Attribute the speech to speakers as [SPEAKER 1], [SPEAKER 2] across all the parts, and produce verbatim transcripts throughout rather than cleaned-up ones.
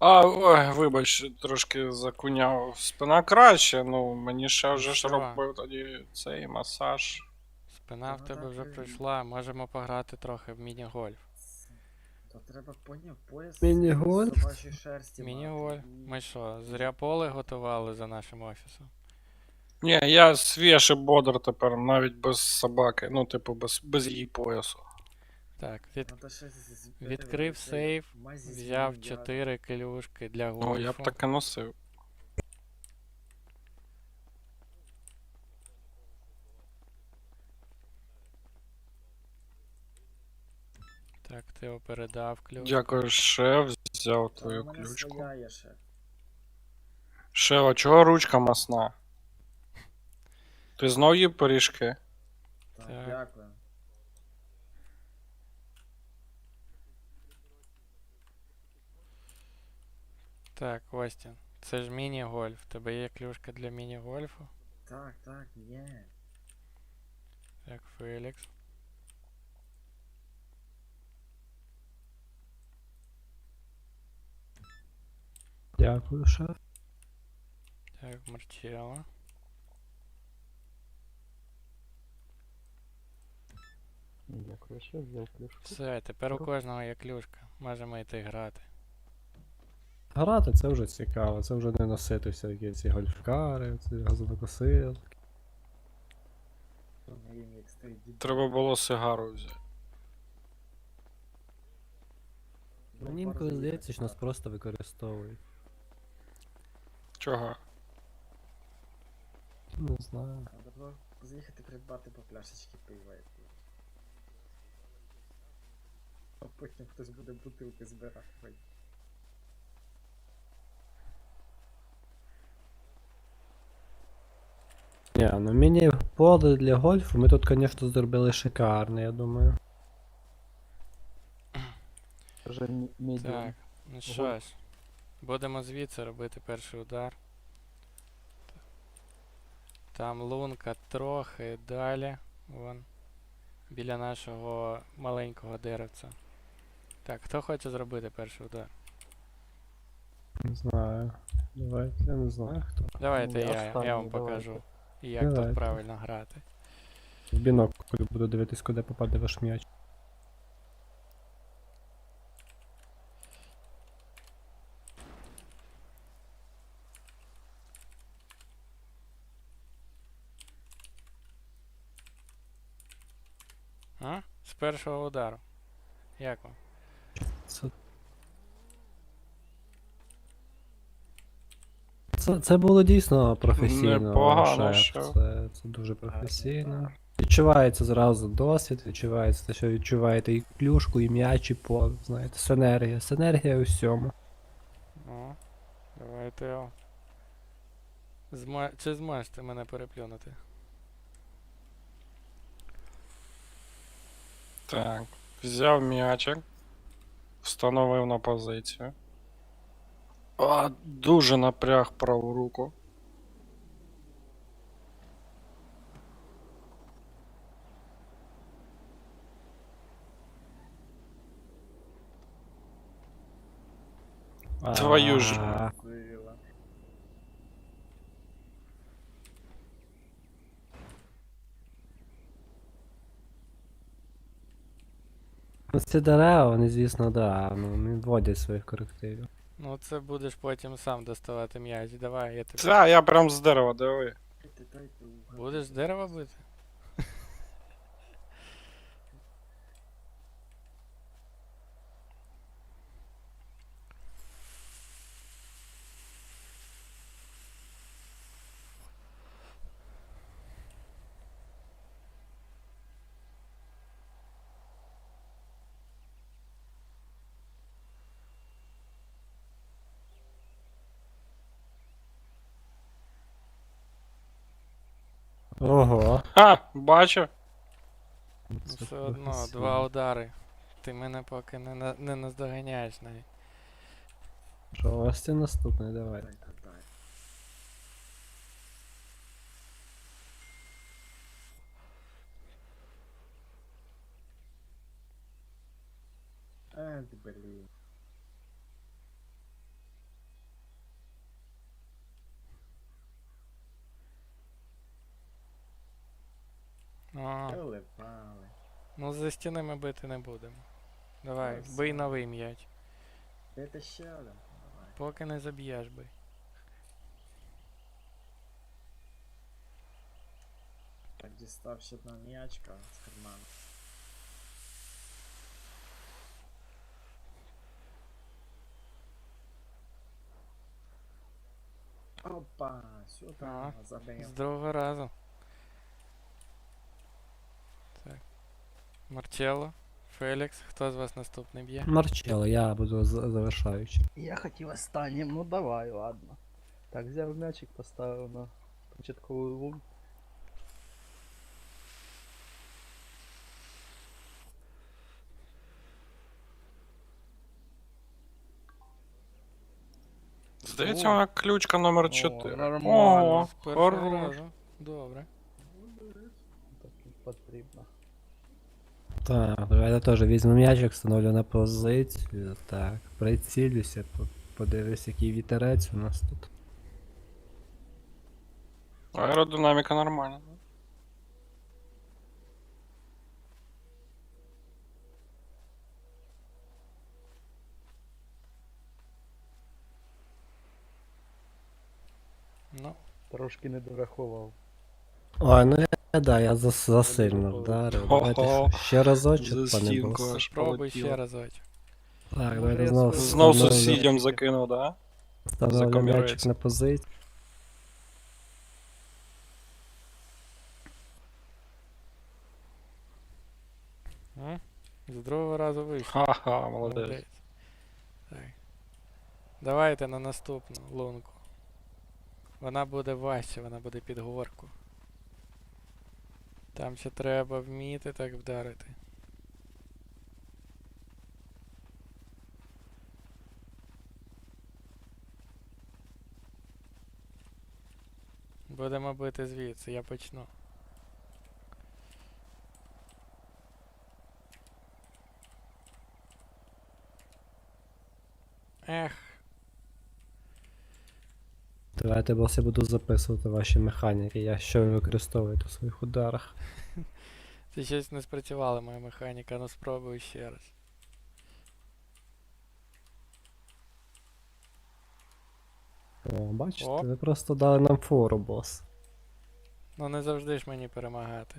[SPEAKER 1] А, ой, вибач, трошки закуняв. Спина краще, ну мені ще вже ж
[SPEAKER 2] Нічого.
[SPEAKER 1] робив тоді цей масаж.
[SPEAKER 2] Спина в
[SPEAKER 3] Та
[SPEAKER 2] тебе
[SPEAKER 3] вода
[SPEAKER 2] вже
[SPEAKER 3] при-
[SPEAKER 2] пройшла, можемо пограти трохи в міні-гольф.
[SPEAKER 3] То треба поняв пояс
[SPEAKER 4] Міні-гольф?
[SPEAKER 3] з собачої шерсті
[SPEAKER 2] Міні-гольф.
[SPEAKER 3] мати. І...
[SPEAKER 2] Ми що, зря поле готували за нашим офісом?
[SPEAKER 1] Ні, я свіж і бодр тепер, навіть без собаки, ну, типу, без, без її поясу.
[SPEAKER 2] Так, від...
[SPEAKER 3] Надо ще з- з-
[SPEAKER 2] відкрив
[SPEAKER 3] цей
[SPEAKER 2] сейф,
[SPEAKER 3] мазі
[SPEAKER 2] взяв
[SPEAKER 3] змінювати.
[SPEAKER 2] чотири клюшки для
[SPEAKER 1] Ну,
[SPEAKER 2] гольфу.
[SPEAKER 1] я б таке носив.
[SPEAKER 2] Так, ти його передав клюшку.
[SPEAKER 1] Дякую, шеф, взяв
[SPEAKER 3] Та
[SPEAKER 1] твою
[SPEAKER 3] у мене
[SPEAKER 1] ключку.
[SPEAKER 3] своя є ще.
[SPEAKER 1] Шеф, а чого ручка масна? Ти знов їв пиріжки?
[SPEAKER 3] Так,
[SPEAKER 2] Так.
[SPEAKER 3] дякую.
[SPEAKER 2] Так, Остін, це ж міні-гольф. Тебе є клюшка для міні-гольфу?
[SPEAKER 3] Так, так, є.
[SPEAKER 2] Так, Фелікс.
[SPEAKER 4] Дякую, шеф.
[SPEAKER 2] Так, Марчелло.
[SPEAKER 4] Дякую, шеф, взяв клюшку.
[SPEAKER 2] Все, тепер у кожного є клюшка. Можемо йти грати.
[SPEAKER 4] Грати це вже цікаво, це вже не носити всякі ці гольфкари, ці газонокосилки.
[SPEAKER 3] Він як стоїть дід.
[SPEAKER 1] Треба було сигару взяти.
[SPEAKER 4] Мені інколи здається, що нас просто використовують.
[SPEAKER 1] Чого?
[SPEAKER 4] Не знаю.
[SPEAKER 3] Треба було заїхати придбати по пляшечки пива. і пиво. А потім хтось буде бутилки збирати.
[SPEAKER 4] Ні, ну міні-поле для гольфу ми тут, звісно, зробили шикарне, я думаю. Вже
[SPEAKER 2] Так, ну що ж, будемо звідси робити перший удар. Там лунка трохи далі, вон, біля нашого маленького деревця. Так, хто хоче зробити перший удар?
[SPEAKER 4] Не знаю. Давайте, я не знаю хто.
[SPEAKER 2] Давайте
[SPEAKER 4] Я
[SPEAKER 2] я, я,
[SPEAKER 4] останній,
[SPEAKER 2] вам
[SPEAKER 4] давайте.
[SPEAKER 2] покажу, як
[SPEAKER 4] Давайте.
[SPEAKER 2] тут правильно грати.
[SPEAKER 4] В бінокль буду дивитись, куди попаде ваш м'яч.
[SPEAKER 2] А? З першого удару. Як вам?
[SPEAKER 4] Це... Це, це було дійсно професійно,
[SPEAKER 1] Непогано,
[SPEAKER 4] шеф.
[SPEAKER 1] шеф.
[SPEAKER 4] Це, це дуже професійно. Відчувається зразу досвід, відчувається те, що відчуваєте і клюшку, і м'яч, і пол. Знаєте, синергія. Синергія у всьому.
[SPEAKER 2] Ну, давайте його. Зма... Чи зможете мене переплюнути?
[SPEAKER 1] Так, взяв м'ячик, встановив на позицію. А, дуже напряг праву руку. Твою ж.
[SPEAKER 4] А,
[SPEAKER 3] Курила.
[SPEAKER 4] ну, ці дерева, вони, звісно, да, ну, не вводять своїх корективів.
[SPEAKER 2] Ну це будеш потім сам доставати м'яч. Давай, я тобі.
[SPEAKER 1] Це я прям з дерева, диви.
[SPEAKER 3] Дайте, дайте, угадайте.
[SPEAKER 2] Будеш з дерева бити?
[SPEAKER 4] Ого.
[SPEAKER 1] Ха, бачив?
[SPEAKER 2] Ну,
[SPEAKER 4] Це
[SPEAKER 2] все одно,
[SPEAKER 4] професійно.
[SPEAKER 2] два удари. Ти мене поки не, на... не наздоганяєш навіть.
[SPEAKER 4] Що, ось це наступний, давай.
[SPEAKER 3] Дайте, дайте. Е, ти, блін.
[SPEAKER 2] Ну, за стіни ми бити не будемо. Давай,
[SPEAKER 3] Все.
[SPEAKER 2] бий новий м'яч.
[SPEAKER 3] Дайте ще один. Давай.
[SPEAKER 2] Поки не заб'єш бий.
[SPEAKER 3] Так, дістав ще одна м'ячка з карману. Опа, сюди
[SPEAKER 2] Ага.
[SPEAKER 3] забив.
[SPEAKER 2] З другого разу. Так. Марчелло, Фелікс, хто з вас наступний б'є?
[SPEAKER 4] Марчело, я буду за- завершаючим.
[SPEAKER 5] Я хотів останнім, ну давай, ладно. Так, взяв м'ячик, поставив на початковий лун.
[SPEAKER 1] Здається,
[SPEAKER 2] О.
[SPEAKER 1] вона ключка номер
[SPEAKER 5] О,
[SPEAKER 1] чотири.
[SPEAKER 5] нормально.
[SPEAKER 1] О,
[SPEAKER 2] З першого
[SPEAKER 1] хорош.
[SPEAKER 2] разу. Добре.
[SPEAKER 5] Так і потрібно.
[SPEAKER 4] Так, давайте теж візьму м'ячик, встановлю на позицію. Так, прицілюся, по- подивлюсь, який вітерець у нас тут.
[SPEAKER 1] Аеродинаміка нормальна.
[SPEAKER 2] Ну,
[SPEAKER 5] Трошки не дорахував.
[SPEAKER 4] Ой, ну я, да, я зас, засильно вдарив. Давайте
[SPEAKER 1] Хо-хо.
[SPEAKER 4] ще разочок,
[SPEAKER 1] За
[SPEAKER 4] пане
[SPEAKER 1] стінку
[SPEAKER 4] бос.
[SPEAKER 1] аж
[SPEAKER 2] спробуй
[SPEAKER 1] полетіло.
[SPEAKER 2] ще разочок.
[SPEAKER 4] Так,
[SPEAKER 5] Ну,
[SPEAKER 4] давайте
[SPEAKER 5] я
[SPEAKER 4] знову
[SPEAKER 5] свою-
[SPEAKER 1] Знов
[SPEAKER 4] встановлю-
[SPEAKER 1] сусідям закинув, да?
[SPEAKER 4] встановлю
[SPEAKER 1] закомірець.
[SPEAKER 4] м'ячик на позицію.
[SPEAKER 2] М? З другого разу вийшло.
[SPEAKER 1] Ха-ха, молодець.
[SPEAKER 2] Молодець. Так. Давайте на наступну лунку. Вона буде важче, вона буде під горку. Там ще треба вміти так вдарити. Будемо бити звідси, я почну. Ех,
[SPEAKER 4] Давайте, бос, я буду записувати ваші механіки, я що ви використовуєте в своїх ударах.
[SPEAKER 2] це щось не спрацювала моя механіка, ну спробую ще раз.
[SPEAKER 4] О, бачите,
[SPEAKER 2] О.
[SPEAKER 4] ви просто дали нам фору, бос.
[SPEAKER 2] Ну не завжди ж мені перемагати.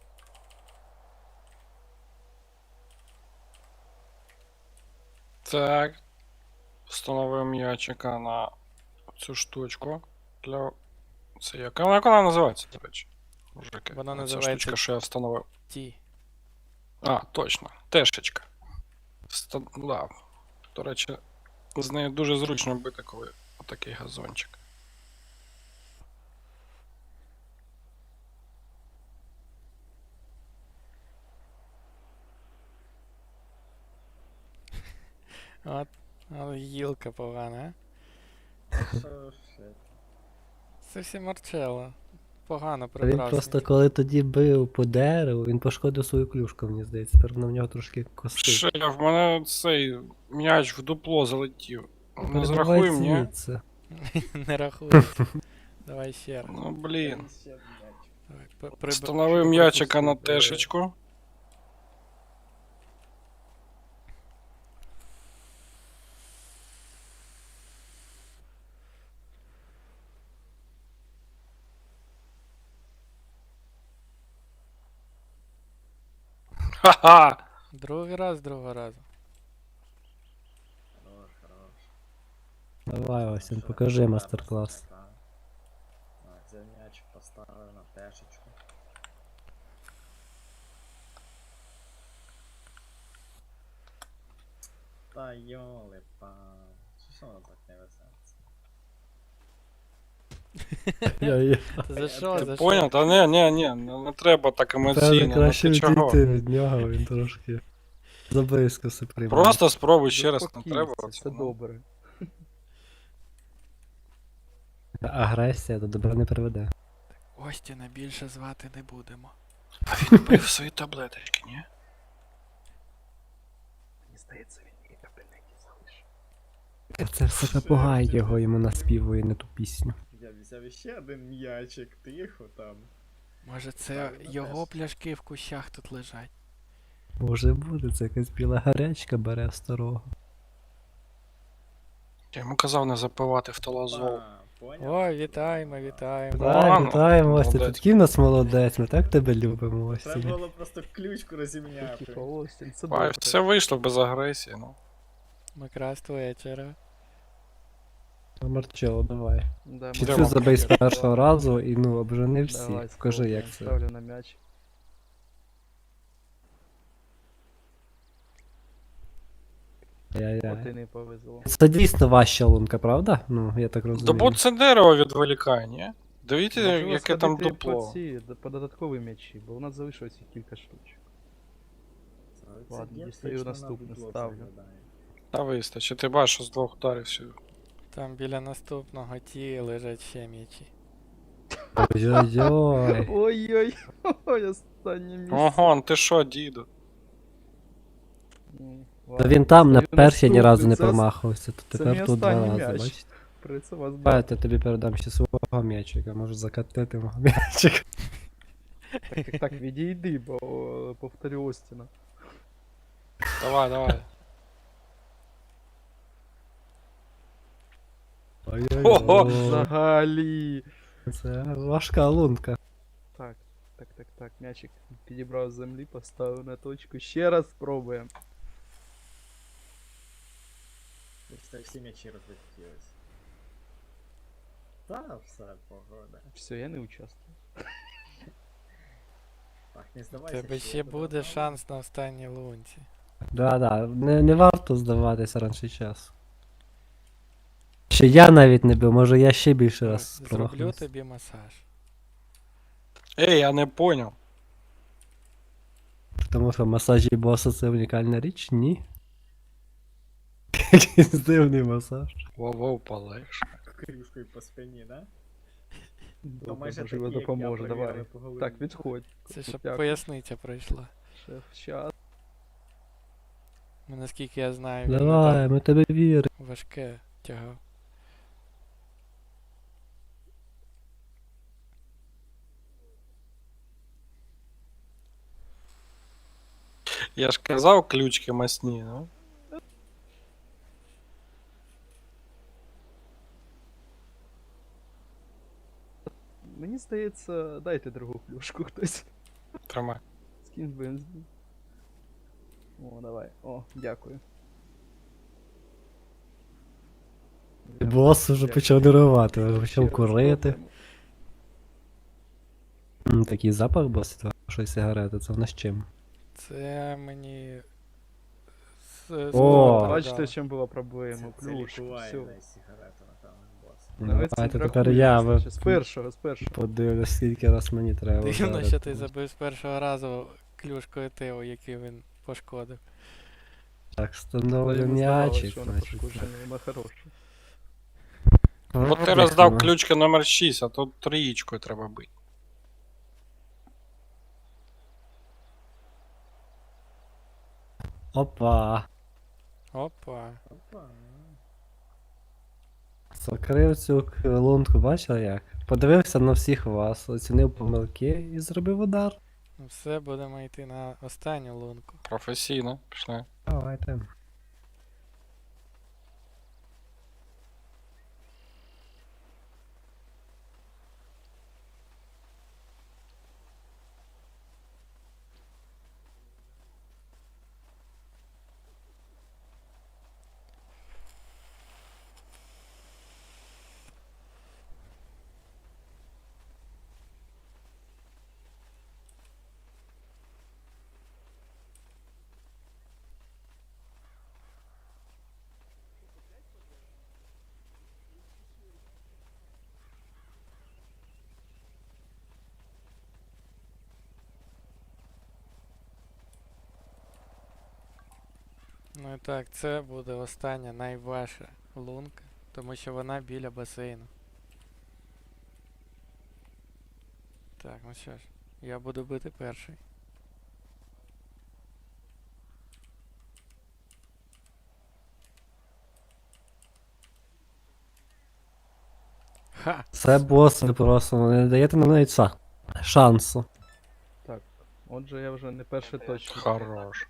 [SPEAKER 1] Так. Встановив м'ячика на цю штучку. Для... Це яка? Як вона називається, до речі? Мужики.
[SPEAKER 2] Вона
[SPEAKER 1] Ця
[SPEAKER 2] називається-
[SPEAKER 1] штучка, що я встановив.
[SPEAKER 2] Ті.
[SPEAKER 1] А, точно. Тешечка. Ста... Да. До речі, з нею дуже зручно бити, коли отакий газончик.
[SPEAKER 2] От, от гілка погана, а?
[SPEAKER 3] Що ще?
[SPEAKER 2] Це всі Марчелло. Погано
[SPEAKER 4] Він
[SPEAKER 2] прибрався.
[SPEAKER 4] просто коли тоді бив по дереву, він пошкодив свою клюшку, мені здається. Тепер на в нього трошки кости.
[SPEAKER 1] Ще в мене цей м'яч в дупло залетів. Не
[SPEAKER 4] Передавай
[SPEAKER 1] зрахуй мені.
[SPEAKER 4] звідси.
[SPEAKER 2] Не рахується. Давай ще раз.
[SPEAKER 1] Ну блін.
[SPEAKER 3] Ще м'яч.
[SPEAKER 2] Давай, п- приб-
[SPEAKER 1] Встановив м'ячика на
[SPEAKER 5] пропустив,
[SPEAKER 1] тешечку. Ха-ха!
[SPEAKER 2] Другий раз, другого разу.
[SPEAKER 3] Хорош, хорош.
[SPEAKER 4] Давай, Осін,
[SPEAKER 3] Що,
[SPEAKER 4] покажи
[SPEAKER 3] так,
[SPEAKER 4] мастер-клас.
[SPEAKER 3] так. Так, взяв м'ячик, поставив на тешечку. Та йоли пан. Що воно так не везеться?
[SPEAKER 2] Та за що,
[SPEAKER 1] Ти
[SPEAKER 2] за
[SPEAKER 1] поняв?
[SPEAKER 2] що?
[SPEAKER 1] Та не, не, не, не, не треба так
[SPEAKER 4] Певне,
[SPEAKER 1] емоційно. Ну
[SPEAKER 4] краще
[SPEAKER 1] ти чого?
[SPEAKER 4] відійти від нього, він трошки заблизько се приймає.
[SPEAKER 1] Просто спробуй ще раз, не
[SPEAKER 5] Заспокійся,
[SPEAKER 1] треба.
[SPEAKER 5] все
[SPEAKER 1] оце, ну.
[SPEAKER 5] добре.
[SPEAKER 4] Агресія до добра не приведе.
[SPEAKER 2] Остіна більше звати не будемо.
[SPEAKER 1] А він пив свої таблеточки, ні?
[SPEAKER 5] Мені здається, він мені капельники залишив.
[SPEAKER 4] Це все попугай його йому наспівує не ту пісню.
[SPEAKER 3] Я взяв ще один м'ячик, тихо там.
[SPEAKER 2] Може це
[SPEAKER 3] Ставлю на
[SPEAKER 2] його
[SPEAKER 3] тест.
[SPEAKER 2] пляшки в кущах тут лежать.
[SPEAKER 4] Може бути, це якась біла гарячка бере старого.
[SPEAKER 1] Я йому казав не запивати в талазол.
[SPEAKER 3] А, поняв?
[SPEAKER 2] О, вітаємо, вітаємо.
[SPEAKER 4] Вітаємо,
[SPEAKER 1] ну,
[SPEAKER 4] вітаємо, Остя, ти
[SPEAKER 1] молодець.
[SPEAKER 4] такий в нас молодець, ми так тебе любимо,
[SPEAKER 3] Треба
[SPEAKER 4] Остя.
[SPEAKER 3] було просто ключку розімняти.
[SPEAKER 5] Типа, Остін, це
[SPEAKER 1] Ай,
[SPEAKER 5] добре.
[SPEAKER 1] все вийшло без агресії, ну.
[SPEAKER 2] Якраз вечора.
[SPEAKER 4] Марчело, давай.
[SPEAKER 5] Да,
[SPEAKER 4] Чи
[SPEAKER 1] Де
[SPEAKER 4] цю
[SPEAKER 1] вам
[SPEAKER 4] забей з
[SPEAKER 1] таке?
[SPEAKER 4] першого разу і ну обжени всі.
[SPEAKER 5] Давай,
[SPEAKER 4] Покажи, як
[SPEAKER 5] спробуємо.
[SPEAKER 4] це.
[SPEAKER 5] Ставлю на м'яч. От і
[SPEAKER 4] Яй-яй.
[SPEAKER 5] не повезло.
[SPEAKER 4] Це дійсно важча лунка, правда? Ну, я так
[SPEAKER 1] Да
[SPEAKER 4] розумію.
[SPEAKER 1] бо це дерево відволікає, ні? Дивіться,
[SPEAKER 5] Можливо,
[SPEAKER 1] яке там
[SPEAKER 5] сходити
[SPEAKER 1] дупло.
[SPEAKER 5] По, ці, д- по додаткові м'ячі, бо у нас залишилося кілька штучок.
[SPEAKER 3] Це
[SPEAKER 5] Ладно,
[SPEAKER 3] є
[SPEAKER 5] дістаю
[SPEAKER 3] точно на
[SPEAKER 5] наступне,
[SPEAKER 3] дупло
[SPEAKER 5] ставлю.
[SPEAKER 3] заглядає.
[SPEAKER 1] Та вистачить, ти бачиш, що з двох ударів сюди.
[SPEAKER 2] Там біля наступного ті лежать ще м'ячі.
[SPEAKER 4] Ой-ой-ой.
[SPEAKER 5] Ой-ой, ой, останнє місце.
[SPEAKER 1] Ого, ти що, діду?
[SPEAKER 5] Ну,
[SPEAKER 4] Та
[SPEAKER 5] ладно,
[SPEAKER 4] він там на
[SPEAKER 5] дістаю
[SPEAKER 4] першій ні разу не
[SPEAKER 5] наступний. Це
[SPEAKER 4] промахувався, то
[SPEAKER 5] це
[SPEAKER 4] тепер
[SPEAKER 5] мій
[SPEAKER 4] тут два
[SPEAKER 5] останній
[SPEAKER 4] рази,
[SPEAKER 5] м'яч.
[SPEAKER 4] бачите?
[SPEAKER 5] При це вас
[SPEAKER 4] Давай, я тобі передам ще свого м'ячика, можу закатити мого м'ячика.
[SPEAKER 5] Так, так, так, відійди, бо е, повторю Остіна.
[SPEAKER 1] Давай, давай. Ого!
[SPEAKER 4] Ой-ой-ой.
[SPEAKER 5] Взагалі.
[SPEAKER 4] Це важка лунка.
[SPEAKER 5] Так, так, так, так, м'ячик підібрав з землі, поставив на точку. Ще раз спробуємо.
[SPEAKER 3] Просто всі м'ячі розлетілись. Та, все, погода.
[SPEAKER 5] Все, я не участвую.
[SPEAKER 3] Так, не
[SPEAKER 2] У
[SPEAKER 3] здавайся.
[SPEAKER 2] тебе
[SPEAKER 3] що
[SPEAKER 2] ще
[SPEAKER 3] я тебе
[SPEAKER 2] буде
[SPEAKER 3] знаю.
[SPEAKER 2] шанс на останній лунці.
[SPEAKER 4] Да-да, не, не варто здаватися раніше часу. Ще я навіть не бив, може я ще більше раз
[SPEAKER 2] Зроблю
[SPEAKER 4] промахнувся.
[SPEAKER 2] тобі масаж.
[SPEAKER 1] Ей, я не поняв.
[SPEAKER 4] Тому що масажі боса це унікальна річ? Ні. Якийсь дивний масаж.
[SPEAKER 1] Воу-воу, полегше.
[SPEAKER 3] Крюшкою по спині, да?
[SPEAKER 5] Добре,
[SPEAKER 3] майже
[SPEAKER 5] можливо,
[SPEAKER 3] такі, як я,
[SPEAKER 5] допоможе,
[SPEAKER 3] перевірили
[SPEAKER 5] давай.
[SPEAKER 3] по голові.
[SPEAKER 5] Так, відходь.
[SPEAKER 2] Це щоб
[SPEAKER 5] Дякую.
[SPEAKER 2] поясниця пройшла.
[SPEAKER 5] Шеф, щас.
[SPEAKER 2] Ну, наскільки я знаю, він не
[SPEAKER 4] Давай,
[SPEAKER 2] так
[SPEAKER 4] ми тебе віримо.
[SPEAKER 2] важке тягав.
[SPEAKER 1] Я ж казав, ключки масні, ну.
[SPEAKER 5] Мені здається, дайте другу плюшку хтось.
[SPEAKER 1] Тримай.
[SPEAKER 5] Скинь бензин. О, давай. О, дякую.
[SPEAKER 4] Бос вже
[SPEAKER 5] Дякую.
[SPEAKER 4] почав нервувати, вже
[SPEAKER 5] Ще
[SPEAKER 4] почав
[SPEAKER 5] раз
[SPEAKER 4] курити.
[SPEAKER 5] спробуємо.
[SPEAKER 4] М, Такий запах бос, що сигарети, це в нас чим?
[SPEAKER 2] Це мені. з- з
[SPEAKER 4] О!
[SPEAKER 2] Лондона
[SPEAKER 5] Бачите,
[SPEAKER 2] передали.
[SPEAKER 5] в чому була проблема?
[SPEAKER 3] Це, це
[SPEAKER 5] Плюшка,
[SPEAKER 3] лікувальна
[SPEAKER 5] все.
[SPEAKER 3] сигарета, напевно, бос.
[SPEAKER 4] Давайте тепер я ви-
[SPEAKER 5] З першого, з першого.
[SPEAKER 4] подивлюсь, скільки раз мені треба.
[SPEAKER 2] Дивно,
[SPEAKER 4] вдарити.
[SPEAKER 2] що ти забив з першого разу клюшкою Тео, який він пошкодив.
[SPEAKER 4] Так, встановлю
[SPEAKER 5] Йому здавалось,
[SPEAKER 4] м'ячик,
[SPEAKER 5] що вона
[SPEAKER 4] значить.
[SPEAKER 5] пошкоджена, вона хороша.
[SPEAKER 1] Бо ти
[SPEAKER 4] От
[SPEAKER 1] роздав
[SPEAKER 4] як
[SPEAKER 1] ключки номер шість, а тут трієчкою треба бити.
[SPEAKER 4] воно. Опа.
[SPEAKER 2] Опа.
[SPEAKER 3] Опа.
[SPEAKER 4] Закрив цю к- лунку, бачив як? Подивився на всіх вас, оцінив помилки і зробив удар.
[SPEAKER 2] Ну все, будемо йти на останню лунку.
[SPEAKER 1] Професійно, пішли.
[SPEAKER 4] Давайте.
[SPEAKER 2] Ну і так, це буде остання найважча лунка, тому що вона біля басейну. Так, ну що ж, я буду бити перший. Ха!
[SPEAKER 4] Це бос, ви просто не даєте нам навіть са- шансу.
[SPEAKER 5] Так, Отже, я вже не перший точно.
[SPEAKER 1] Хорош.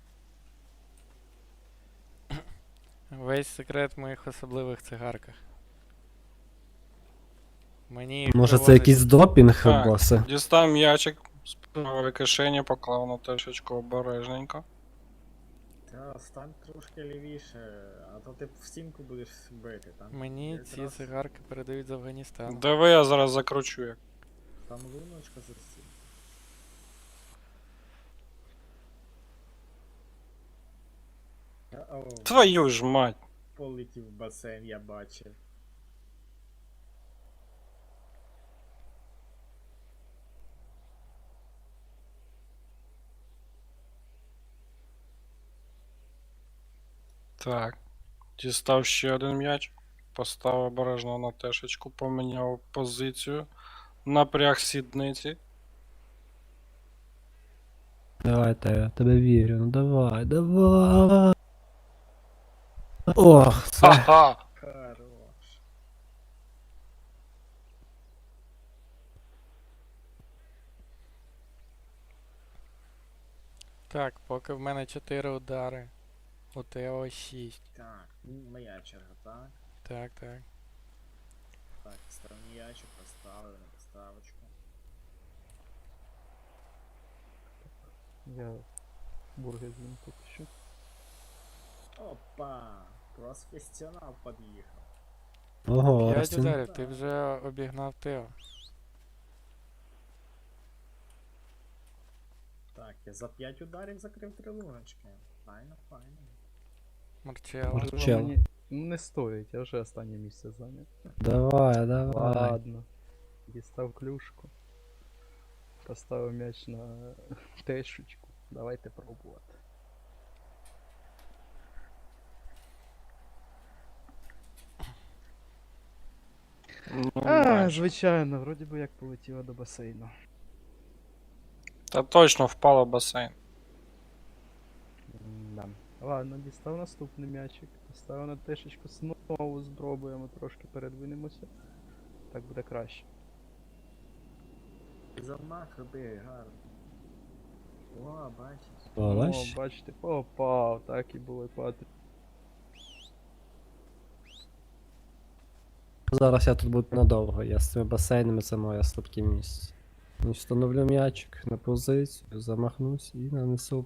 [SPEAKER 2] Весь секрет в моїх особливих цигарках. Мені їх
[SPEAKER 4] Може це
[SPEAKER 2] привозять-
[SPEAKER 4] якийсь допінг,
[SPEAKER 1] Так.
[SPEAKER 4] босе?
[SPEAKER 1] Дістав м'ячик з правої кишені, поклав на тишечку обережненько.
[SPEAKER 3] Та стань трошки лівіше, а то ти в стінку будеш бити. Там
[SPEAKER 2] Мені ці
[SPEAKER 3] якраз
[SPEAKER 2] цигарки передають з Афганістану.
[SPEAKER 1] Диви, я зараз закручу як.
[SPEAKER 3] Там луночка за стінку. О,
[SPEAKER 1] Твою ж мать.
[SPEAKER 3] полетів в басейн, я бачив.
[SPEAKER 1] Так. Дістав ще один м'яч. Поставив обережно на тешечку, поміняв позицію. Напряг сідниці.
[SPEAKER 4] Давай, та я тебе вірю, ну давай, давай. Ох, це.
[SPEAKER 1] Ха-ха!
[SPEAKER 3] Хорош.
[SPEAKER 2] Так, поки в мене чотири удари. У Тео шість.
[SPEAKER 3] Так, м, моя черга, так?
[SPEAKER 2] Так, так.
[SPEAKER 3] Так, став м'ячик, поставив на поставочку.
[SPEAKER 5] Я бургер з'їм поки що.
[SPEAKER 3] Опа! Професіонал під'їхав.
[SPEAKER 4] Ого,
[SPEAKER 2] П'ять
[SPEAKER 4] Ростін.
[SPEAKER 2] ударів, ти вже обігнав Тео.
[SPEAKER 3] Так, я за п'ять ударів закрив три луночки. Файно, файно.
[SPEAKER 2] Марчелло.
[SPEAKER 4] Мар-
[SPEAKER 5] Можливо,
[SPEAKER 4] Чел.
[SPEAKER 5] мені ну, не стоїть, я вже останнє місце зайняв.
[SPEAKER 4] Давай, давай.
[SPEAKER 5] Ладно. Дістав клюшку. Поставив м'яч на тешечку. Давайте пробувати.
[SPEAKER 1] Ну,
[SPEAKER 5] А,
[SPEAKER 1] майже.
[SPEAKER 5] звичайно, вроді би як полетіла до басейну.
[SPEAKER 1] Та точно впало в басейн.
[SPEAKER 5] Да. Ладно, дістав наступний м'ячик. Поставив на тешечку, знову спробуємо, трошки передвинемося. Так буде краще.
[SPEAKER 3] Замах роби, гарно. О, бачиш.
[SPEAKER 5] О,
[SPEAKER 4] Бачиш?
[SPEAKER 5] бачите, попав, так і було патрі.
[SPEAKER 4] Зараз я тут буду надовго, я з цими басейнами це моє слабке місце. Ну, встановлю м'ячик на позицію, замахнусь і нанесу.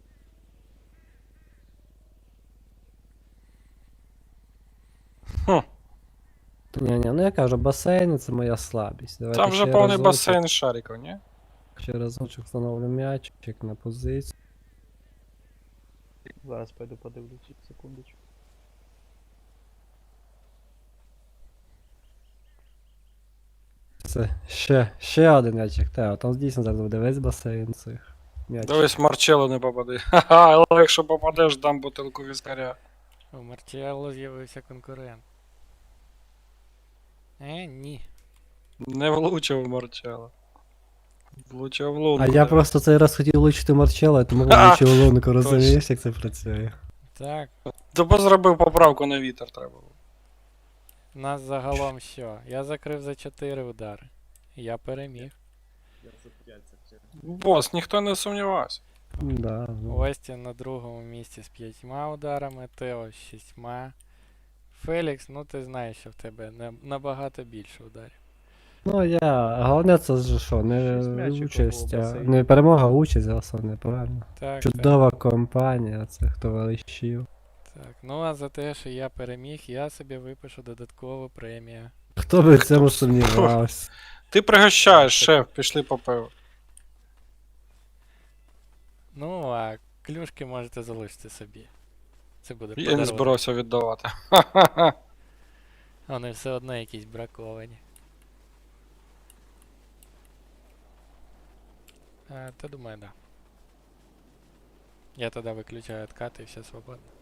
[SPEAKER 1] Хм.
[SPEAKER 4] Ні-ні, ну я кажу, басейни це моя слабість. Давайте
[SPEAKER 1] Там вже
[SPEAKER 4] ще
[SPEAKER 1] повний
[SPEAKER 4] разочок,
[SPEAKER 1] басейн шариків, ні?
[SPEAKER 4] Ще разочок встановлю м'ячик на позицію.
[SPEAKER 5] Зараз пойду подивлюсь, секундочку.
[SPEAKER 4] Це ще, ще один м'ячик. Та, там дійсно зараз буде весь басейн цих м'ячиків.
[SPEAKER 1] Дивись, Марчелло не попади. Ха-ха, але якщо попадеш, дам бутилку віскаря.
[SPEAKER 2] У Марчелло з'явився конкурент. Е, ні.
[SPEAKER 1] Не влучив Марчелло. Влучив в луну.
[SPEAKER 4] А я просто цей раз хотів влучити Марчелла, тому влучив лунку, розумієш, як це працює?
[SPEAKER 2] Так,
[SPEAKER 1] Тобі зробив поправку на вітер треба було.
[SPEAKER 2] нас загалом що? Я закрив за чотири удари. Я переміг.
[SPEAKER 3] Я за п'ять закрив.
[SPEAKER 1] Бос, ніхто не сумнівався.
[SPEAKER 4] Да, ну.
[SPEAKER 2] Остін на другому місці з п'ятьма ударами, Тео з шістьма. Фелікс, ну ти знаєш, що в тебе на- набагато більше ударів.
[SPEAKER 4] Ну я. Головне це ж що, не
[SPEAKER 5] Шість м'ячиків
[SPEAKER 4] участь,
[SPEAKER 5] було в
[SPEAKER 4] а
[SPEAKER 5] басейні.
[SPEAKER 4] не перемога, а участь, головне, правильно.
[SPEAKER 2] Так,
[SPEAKER 4] Чудова компанія, цих товаришів.
[SPEAKER 2] так, так. Ну а за те, що я переміг, я собі випишу додаткову премію.
[SPEAKER 4] Хто би в цьому сумнівався?
[SPEAKER 1] Ти пригощаєш, шеф, пішли по пиву.
[SPEAKER 2] Ну, а клюшки можете залишити собі. Це буде
[SPEAKER 1] Я не
[SPEAKER 2] подарунок.
[SPEAKER 1] збирався віддавати. Ха-ха-ха.
[SPEAKER 2] Вони все одно якісь браковані. А, та думаю, да. Я тоді виключаю откат і все свободно.